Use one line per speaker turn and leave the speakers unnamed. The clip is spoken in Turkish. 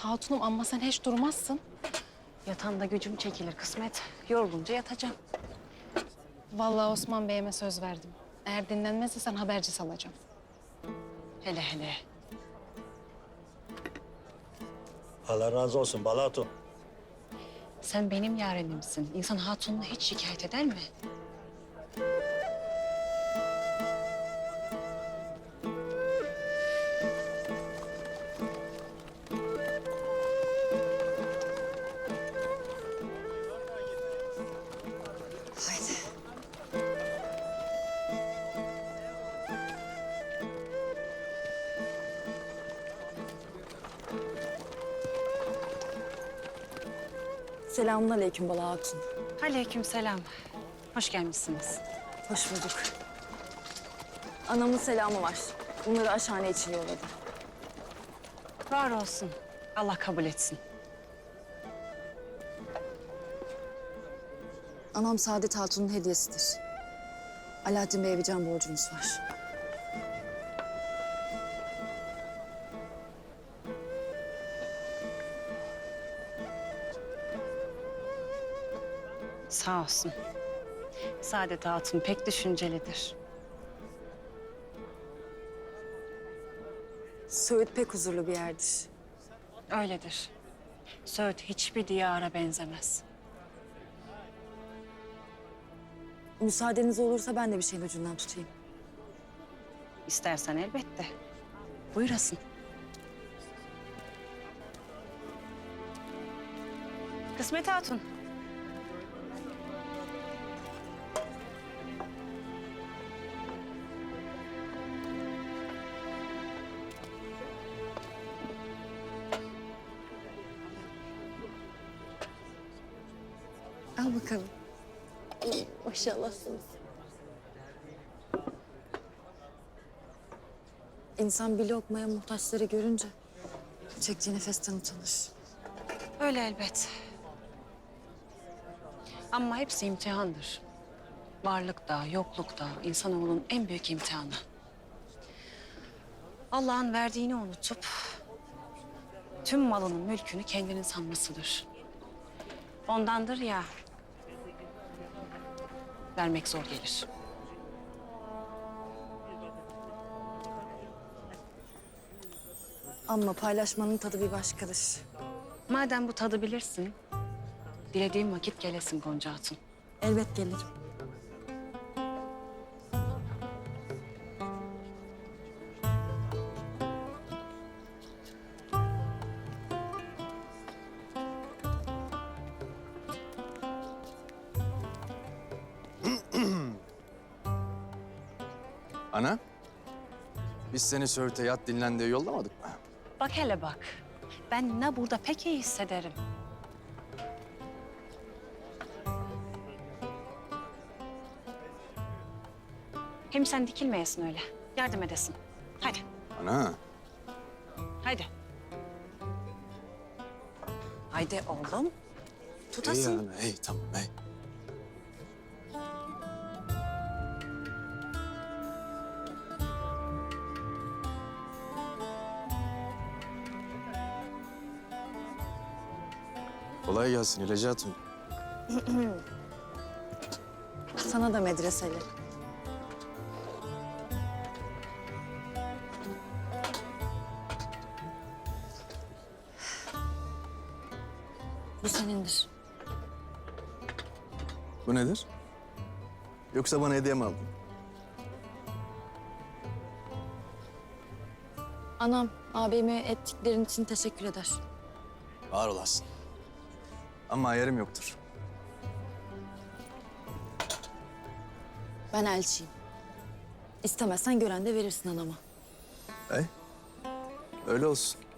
Hatunum amma sen hiç durmazsın.
Yatağında gücüm çekilir kısmet. Yorulunca yatacağım.
Vallahi Osman Bey'ime söz verdim. Eğer dinlenmezse sen haberci salacağım.
Hele hele.
Allah razı olsun Bala Hatun.
Sen benim yarenimsin. İnsan hatununu hiç şikayet eder mi? Haydi.
Selamünaleyküm Bala Hatun.
Aleykümselam. Hoş gelmişsiniz.
Hoş bulduk. Anamın selamı var. Bunları aşhane için yolladı.
Var olsun. Allah kabul etsin.
Anam Saadet Hatun'un hediyesidir. Alaaddin Bey'e bir can borcumuz var.
Sağ olsun. Saadet Hatun pek düşüncelidir.
Söğüt pek huzurlu bir yerdir.
Öyledir. Söğüt hiçbir diyara benzemez.
Müsaadeniz olursa ben de bir şeyin ucundan tutayım.
İstersen elbette. Buyurasın. Kısmet Hatun.
Al bakalım. Maşallahsınız. İnsan bir lokmaya muhtaçları görünce çektiği nefesten utanır.
Öyle elbet. Ama hepsi imtihandır. Varlık da, yokluk da insanoğlunun en büyük imtihanı. Allah'ın verdiğini unutup tüm malının, mülkünü kendinin sanmasıdır. Ondandır ya, vermek zor gelir.
Ama paylaşmanın tadı bir başkadır.
Madem bu tadı bilirsin, dilediğim vakit gelesin Gonca Hatun.
Elbet gelirim.
Ana, biz seni Söğüt'e yat dinlen diye yollamadık mı?
Bak hele bak, ben ne burada pek iyi hissederim. Hem sen dikilmeyesin öyle, yardım edesin. Hadi,
Ana,
hadi. Haydi oğlum,
iyi
tutasın.
ana, iyi tamam, iyi. Kolay gelsin İlacı Hatun.
Sana da medreseli. Bu senindir.
Bu nedir? Yoksa bana hediye mi aldın?
Anam abime ettiklerin için teşekkür eder.
Var olasın. Ama ayarım yoktur.
Ben elçiyim. İstemezsen gören de verirsin anama.
Öyle olsun.